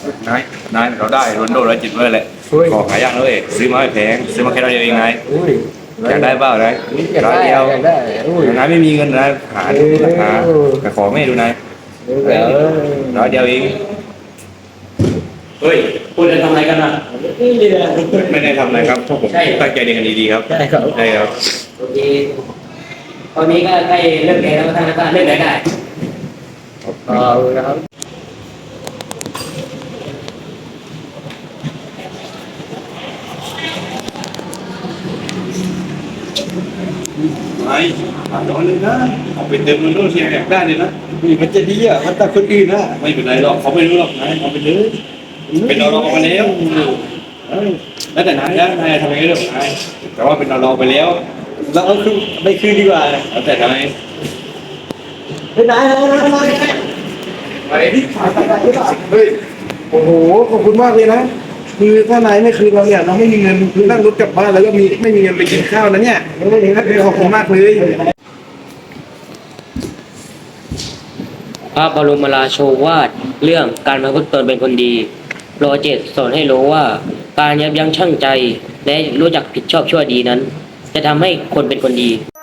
นายนายเราได้โรนลโด107เลยแหละของหายากนะเว้ยซื้อมาไม่แพงซื้อมาแค่ร้อยเดียวเองนายอยากได้เปล่านายร้อยเดียวนายไม่มีเงินนายหาดูหาแต่ของไม่ดูนายร้อยเดียวเองเฮ้ยคุณจะทำอะไรกันนะไม่ได้ทำอะไรครับพวกผมตั้งใจเรียนกันดีๆครับใช่ครับโอเคตอนนี้ก็ใกล้เลิกเรียนแล้วท่านก็เลิกได้นะครับไม่ถามน้องเลยนะเอาไปเติมโรนลโดที่อยากได้เลยนะนี่มันจะดีอ่ะมันแต่คนอื่นนะไม่เป็นไรหรอกเขาไม่รู้หรอกนายเอาไปเลยเป็นเราไปแล้วแล้วแต่นายนะนายทำยังไงเรื่องของนายแต่ว่าเป็นเราไปแล้วเราเอาคืนไปคืนดีกว่าแล้วแต่นายไปไหนไปเฮ้ยโอ้โหขอบคุณมากเลยนะคือถ้านายไม่คืนเราเนี่ยเราไม่มีเงินคือนั่งรถกลับบ้านแล้วก็ไม่มีเงินไปกินข้าวนะเนี่ยขอบคุณมากเลยพระบรมราโชวาทเรื่องการประพฤติตนเป็นคนดีโปรเจกต์สอนให้รู้ว่าการยับยั้งชั่งใจและรู้จักผิดชอบชั่วดีนั้น จะทำให้คนเป็นคนดี